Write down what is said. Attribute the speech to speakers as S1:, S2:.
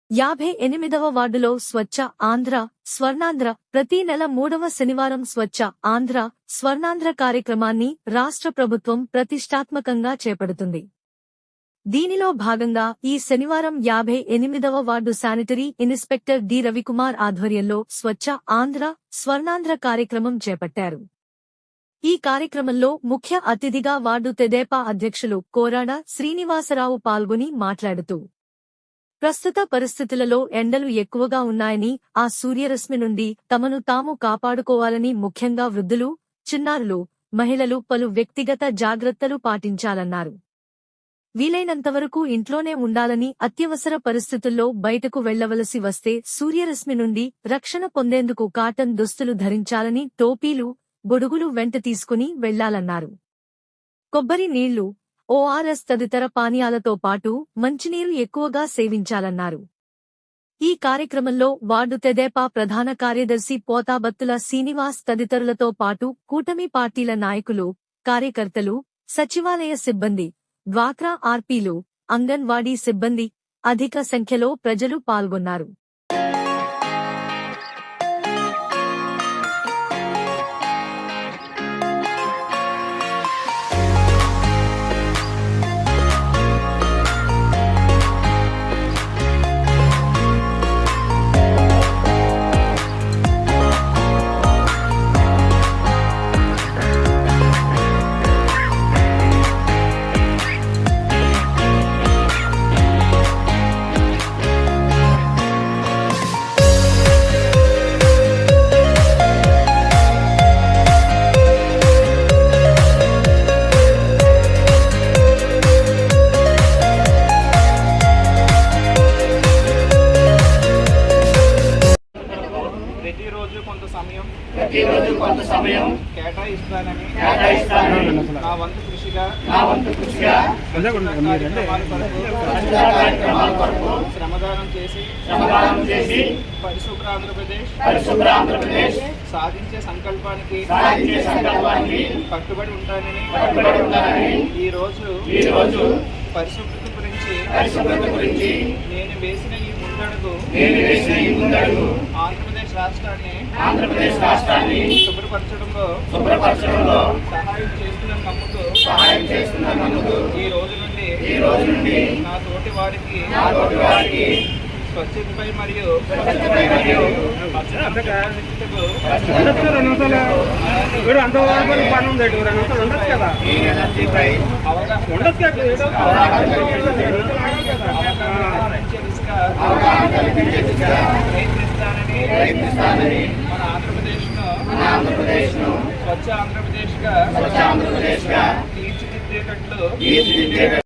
S1: 58వ వార్డులో స్వచ్ఛ ఆంధ్ర, స్వర్ణాంధ్ర ప్రతి నెల 3వ శనివారం స్వచ్ఛ ఆంధ్ర, స్వర్ణాంధ్ర కార్యక్రమాన్ని రాష్ట్ర ప్రభుత్వం ప్రతిష్టాత్మకంగా చేపడుతుంది. దీనిలో భాగంగా ఈ శనివారం 58వ ward sanitary inspector D Ravikumar ఆధ్వర్యంలో స్వచ్ఛ ఆంధ్ర, స్వర్ణాంధ్ర కార్యక్రమం చేపట్టారు. ఈ కార్యక్రమంలో ముఖ్య అతిథిగా వార్డు తెదేపా అధ్యక్షులు కోరాడ శ్రీనివాసరావు పాల్గొని మాట్లాడుతూ, ప్రస్తుత పరిస్థితులలో ఎండలు ఎక్కువగా ఉన్నాయని, ఆ సూర్యరశ్మి నుండి తమను తాము కాపాడుకోవాలని, ముఖ్యంగా వృద్ధులు, చిన్నారులు, మహిళలు పలు వ్యక్తిగత జాగ్రత్తలు పాటించాలన్నారు. వీలైనంతవరకు ఇంట్లోనే ఉండాలని, అత్యవసర పరిస్థితుల్లో బయటకు వెళ్లవలసి వస్తే సూర్యరశ్మి నుండి రక్షణ పొందేందుకు కాటన్ దుస్తులు ధరించాలని, టోపీలు, గొడుగులు వెంట తీసుకుని వెళ్లాలన్నారు. కొబ్బరి నీళ్లు, ఓఆర్ఎస్ తదితర పానీయాలతో పాటు మంచినీరు ఎక్కువగా సేవించాలన్నారు. ఈ కార్యక్రమంలో వార్డు తెదేపా ప్రధాన కార్యదర్శి పోతాబత్తుల శ్రీనివాస్ తదితరులతో పాటు కూటమి పార్టీల నాయకులు, కార్యకర్తలు, సచివాలయ సిబ్బంది, డ్వాక్రా ఆర్పీలు, అంగన్వాడీ సిబ్బంది, అధిక సంఖ్యలో ప్రజలు పాల్గొన్నారు.
S2: ప్రతిరోజు కొంత సమయం
S3: కేటాయిస్తానని నా వంతు కృషిగా
S2: కార్యక్రమాల కొరకు
S3: శ్రమదానం చేసి పరిశుభ్ర ఆంధ్రప్రదేశ్ సాధించే సంకల్పానికి కట్టుబడి ఉంటానని ఈ రోజు పరిశుభ్రత గురించి నేను వేసిన ఈ ముందడుగు ఆంధ్రప్రదేశ్ రాష్ట్రాన్ని శుభ్రపరచడంలో సహాయం చేస్తుందని నమ్ముతూ ఈ రోజు నుండి నా తోటి వారికి స్వచ్ఛతపై మరియు ప్రయత్నిస్తానని మన ఆంధ్రప్రదేశ్ ను స్వచ్ఛ ఆంధ్రప్రదేశ్ గా తీర్చిదిద్దేటట్లు